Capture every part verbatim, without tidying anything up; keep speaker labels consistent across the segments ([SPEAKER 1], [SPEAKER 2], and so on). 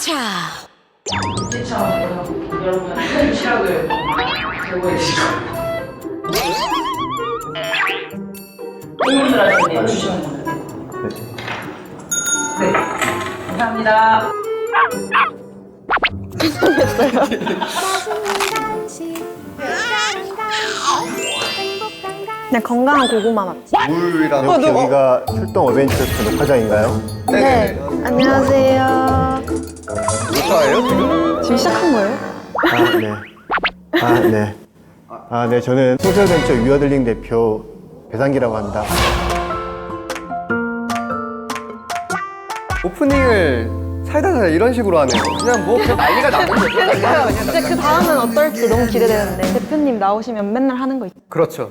[SPEAKER 1] 차.
[SPEAKER 2] 국제차 여러분 시락을 제공해 주시고 공분들 하시는 주시면 됩니다. 네, 감사합니다.
[SPEAKER 3] 그냥 건강한 고구마 맛.
[SPEAKER 4] 물이랑
[SPEAKER 3] 어, 너,
[SPEAKER 4] 여기가 출동 어벤져스 녹화장인가요?
[SPEAKER 3] 네. 안녕하세요.
[SPEAKER 4] 녹화예요 지금?
[SPEAKER 3] 지금 시작한 거예요?
[SPEAKER 4] 아 네. 아 네. 아 네, 저는 소셜벤처 위어들링 대표 배상기라고 합니다.
[SPEAKER 5] 오프닝을 살다살다 이런 식으로 하네요. 그냥 뭐 그냥 난리가 나는 거죠.
[SPEAKER 3] 그러니까요. 진짜 그 다음은 어떨지 너무 기대되는데. 대표님 나오시면 맨날 하는 거 있죠?
[SPEAKER 5] 그렇죠.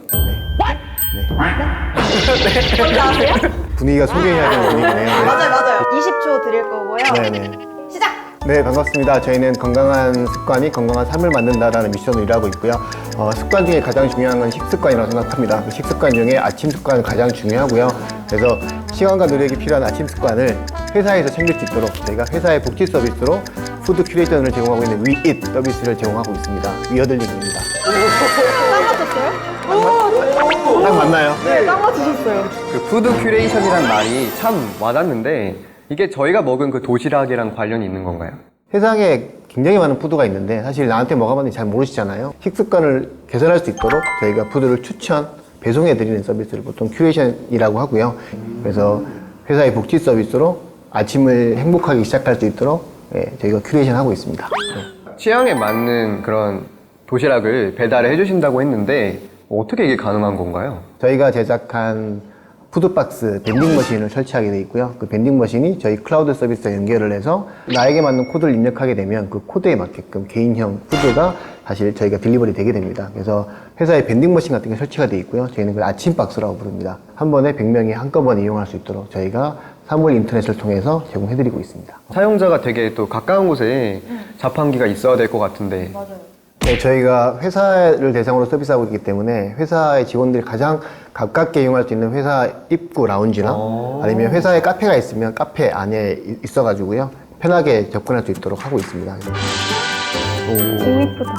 [SPEAKER 3] 뭔지 아세요?
[SPEAKER 4] 분위기가 소개해야 되는 분위기네요.
[SPEAKER 3] 맞아요, 맞아요. 이십 초 드릴 거고요.
[SPEAKER 4] 네네.
[SPEAKER 3] 시작!
[SPEAKER 4] 네, 반갑습니다. 저희는 건강한 습관이 건강한 삶을 만든다라는 미션으로 일하고 있고요. 어, 습관 중에 가장 중요한 건 식습관이라고 생각합니다. 그 식습관 중에 아침 습관이 가장 중요하고요. 그래서 시간과 노력이 필요한 아침 습관을 회사에서 챙길 수 있도록 저희가 회사의 복지 서비스로 푸드 큐레이션을 제공하고 있는 위잇 서비스를 제공하고 있습니다. 위어들링입니다.
[SPEAKER 3] 딱 맞췄어요? 오!
[SPEAKER 4] 딱 맞나요?
[SPEAKER 3] 네, 딱 맞추셨어요.
[SPEAKER 5] 그 푸드 큐레이션이란 말이 참 와닿는데 이게 저희가 먹은 그 도시락이랑 관련이 있는 건가요?
[SPEAKER 4] 세상에 굉장히 많은 푸드가 있는데 사실 나한테 뭐가 맞는지 잘 모르시잖아요. 식습관을 개선할 수 있도록 저희가 푸드를 추천, 배송해드리는 서비스를 보통 큐레이션이라고 하고요. 그래서 회사의 복지 서비스로 아침을 행복하게 시작할 수 있도록 예, 저희가 큐레이션 하고 있습니다. 네.
[SPEAKER 5] 취향에 맞는 그런 도시락을 배달을 해주신다고 했는데 어떻게 이게 가능한 건가요?
[SPEAKER 4] 저희가 제작한 푸드박스 밴딩머신을 설치하게 되어 있고요. 그 밴딩머신이 저희 클라우드 서비스와 연결을 해서 나에게 맞는 코드를 입력하게 되면 그 코드에 맞게끔 개인형 푸드가 사실 저희가 딜리버리 되게 됩니다. 그래서 회사에 밴딩머신 같은 게 설치가 되어 있고요. 저희는 그걸 아침박스라고 부릅니다. 한 번에 백 명이 한꺼번에 이용할 수 있도록 저희가 사물 인터넷을 통해서 제공해드리고 있습니다.
[SPEAKER 5] 사용자가 되게 또 가까운 곳에 자판기가 있어야 될 것 같은데
[SPEAKER 4] 네, 저희가 회사를 대상으로 서비스하고 있기 때문에 회사의 직원들이 가장 가깝게 이용할 수 있는 회사 입구 라운지나 아니면 회사에 카페가 있으면 카페 안에 있어가지고요. 편하게 접근할 수 있도록 하고 있습니다.
[SPEAKER 3] 오, 이쁘다.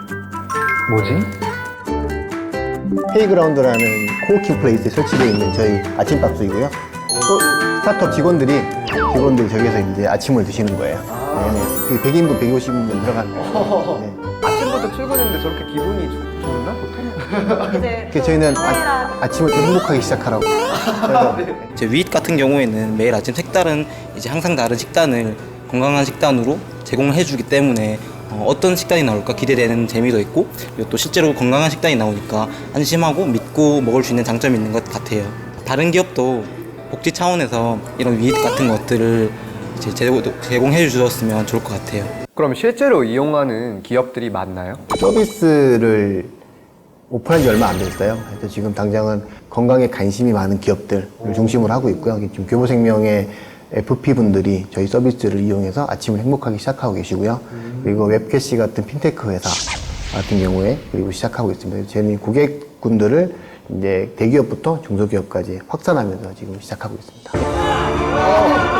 [SPEAKER 5] 뭐지?
[SPEAKER 4] 페이그라운드라는 코워킹 플레이스에 설치되어 있는 저희 아침박스이고요. 또 스타트업 직원들이 직원들이 저기서 이제 아침을 드시는 거예요. 네네. 백 인분, 백오십 인분 들어가는 거예요. 네.
[SPEAKER 5] 아침부터 출근했는데 저렇게 기분이 좋- 좋나 보통?
[SPEAKER 3] 이제
[SPEAKER 4] 그래서 저희는 아, 아침을 좀 행복하게 시작하라고. 그래서
[SPEAKER 6] 제 위잇 같은 경우에는 매일 아침 색다른 이제 항상 다른 식단을 건강한 식단으로 제공을 해주기 때문에 어, 어떤 식단이 나올까 기대되는 재미도 있고 그리고 또 실제로 건강한 식단이 나오니까 안심하고 믿고 먹을 수 있는 장점이 있는 것 같아요. 다른 기업도 복지 차원에서 이런 위잇 같은 것들을 이제 제공, 제공해 주셨으면 좋을 것 같아요.
[SPEAKER 5] 그럼 실제로 이용하는 기업들이 많나요?
[SPEAKER 4] 서비스를 오픈한 지 얼마 안 됐어요. 그래서 지금 당장은 건강에 관심이 많은 기업들을 중심으로 하고 있고요. 지금 교보생명의 에프피 분들이 저희 서비스를 이용해서 아침을 행복하게 시작하고 계시고요. 그리고 웹캐시 같은 핀테크 회사 같은 경우에 그리고 시작하고 있습니다. 저희는 고객군들을 이제 대기업부터 중소기업까지 확산하면서 지금 시작하고 있습니다.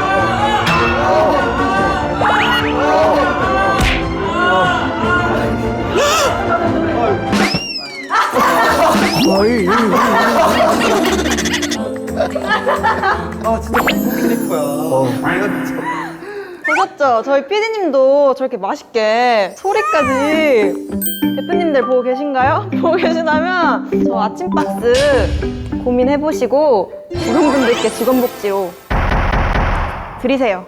[SPEAKER 5] 아 진짜 공부 캐릭터야.
[SPEAKER 4] 어,
[SPEAKER 3] 보셨죠? 저희 피디님도 저렇게 맛있게 소리까지 대표님들 보고 계신가요? 보고 계시다면 저 아침박스 고민해보시고 직원분들께 직원복지로 드리세요.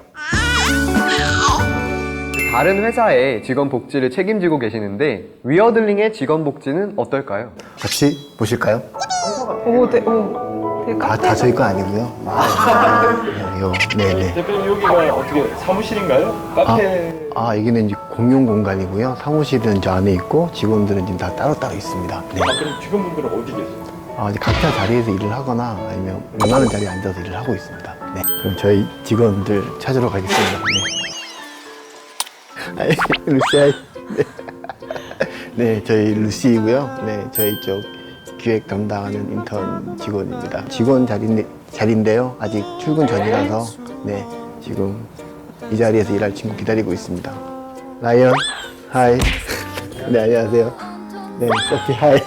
[SPEAKER 5] 다른 회사의 직원 복지를 책임지고 계시는데 위어들링의 직원 복지는 어떨까요?
[SPEAKER 4] 같이 보실까요?
[SPEAKER 3] 오, 네, 오. 되게
[SPEAKER 4] 다,
[SPEAKER 3] 카페.
[SPEAKER 4] 다 저희 거 아니고요. 네, 요, 네네.
[SPEAKER 7] 대표님 여기가 어떻게 사무실인가요? 카페?
[SPEAKER 4] 아, 여기는 이제 공용 공간이고요. 사무실은 저 안에 있고 직원들은 지금 다 따로따로 있습니다. 네.
[SPEAKER 7] 아, 그럼 직원분들은 어디 계세요?
[SPEAKER 4] 아, 이제 각자 자리에서 일을 하거나 아니면 원하는 자리에 앉아서 일을 하고 있습니다. 네. 그럼 저희 직원들 찾으러 가겠습니다. 네. 아이, 루시아. 네. 네, 저희 루시이고요. 네, 저희 쪽 기획 담당하는 인턴 직원입니다. 직원 자리, 자리인데요. 아직 출근 전이라서 네, 지금 이 자리에서 일할 친구 기다리고 있습니다. 라이언, 하이. 네, 안녕하세요. 네, 소피, 하이.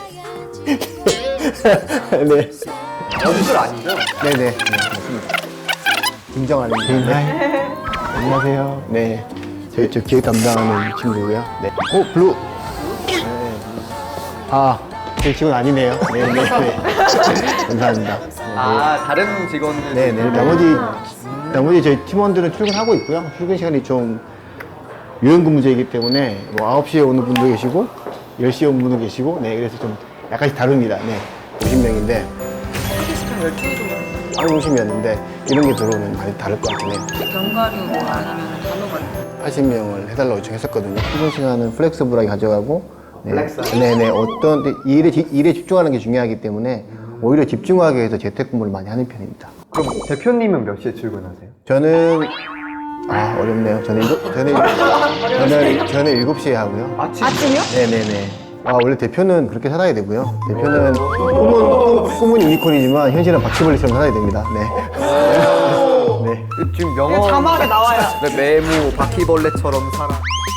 [SPEAKER 4] 네.
[SPEAKER 5] 연출 아니죠?
[SPEAKER 4] 네네, 네, 맞습니다. 김정환 개인 하이. 안녕하세요. 네, 저희 저 기획 담당하는 친구고요. 네. 오, 블루. 네. 아, 제 직원 아니네요. 네, 네, 네. 감사합니다. 네,
[SPEAKER 5] 아, 다른 직원들.
[SPEAKER 4] 네, 네. 나머지 나머지 저희 팀원들은 출근하고 있고요. 출근 시간이 좀 유연근무제이기 때문에 뭐 아홉 시에 오는 분도 계시고 열 시에 오는 분도 계시고, 네, 그래서 좀 약간씩 다릅니다. 네, 오십 명인데. 한 오십 명인데 이런 게 들어오면 많이 다를 것 같긴 해요.
[SPEAKER 2] 견과류 뭐 아니면 단호가
[SPEAKER 4] 팔십 명을 해달라고 요청했었거든요. 출근 시간은 플렉스블하게 가져가고, 네,
[SPEAKER 5] 플렉스?
[SPEAKER 4] 네네, 어떤 이 일에, 지- 일에 집중하는 게 중요하기 때문에 오히려 집중하기 위해서 재택근무를 많이 하는 편입니다.
[SPEAKER 5] 그럼 대표님은 몇 시에 출근하세요?
[SPEAKER 4] 저는 아 어렵네요. 저는 일곱, 저는 저는 저는 일곱 시에 하고요.
[SPEAKER 5] 아침?
[SPEAKER 3] 아침이요?
[SPEAKER 4] 네네네. 아 원래 대표는 그렇게 살아야 되고요. 대표는 꿈은 꿈은 유니콘이지만 현실은 바퀴벌레처럼 살아야 됩니다. 네. 네.
[SPEAKER 5] 지금 명언.
[SPEAKER 3] 자막에 나와요.
[SPEAKER 5] 네, 메모, 바퀴벌레처럼 살아.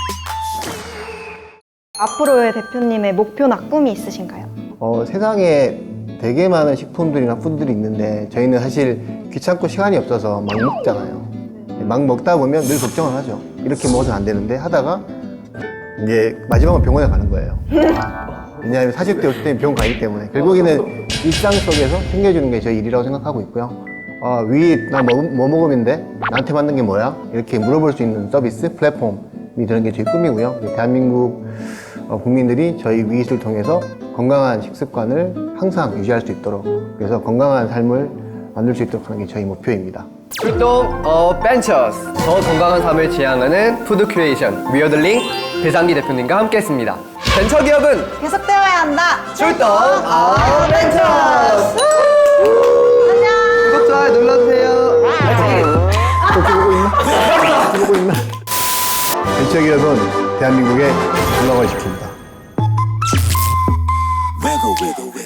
[SPEAKER 3] 앞으로의 대표님의 목표나 꿈이 있으신가요?
[SPEAKER 4] 어, 세상에 되게 많은 식품들이나 푸드들이 있는데 저희는 사실 귀찮고 시간이 없어서 막 먹잖아요. 막 먹다 보면 늘 걱정을 하죠. 이렇게 먹어서는 안 되는데 하다가 이제 마지막은 병원에 가는 거예요. 왜냐하면 사십 대, 오십 대는 병원 가기 때문에 결국에는 일상 속에서 챙겨주는 게 저희 일이라고 생각하고 있고요. 아, 위, 나 뭐, 뭐 먹으면 돼? 나한테 맞는 게 뭐야? 이렇게 물어볼 수 있는 서비스, 플랫폼이 되는 게 저희 꿈이고요. 대한민국 어, 국민들이 저희 위잇을 통해서 건강한 식습관을 항상 유지할 수 있도록, 그래서 건강한 삶을 만들 수 있도록 하는 게 저희 목표입니다.
[SPEAKER 5] 출동 어 벤처스, 더 건강한 삶을 지향하는 푸드 큐레이션 위어들링 배상기 대표님과 함께했습니다. 벤처 기업은
[SPEAKER 3] 계속되어야 한다.
[SPEAKER 5] 출동 어 벤처스.
[SPEAKER 3] 안녕.
[SPEAKER 5] 구독 좋아요 눌러주세요.
[SPEAKER 4] 또 보고 있나? 또 보고 있나? 벤처기업은 대한민국의 건강을 지킵니다.
[SPEAKER 1] Wiggle, wiggle, wiggle.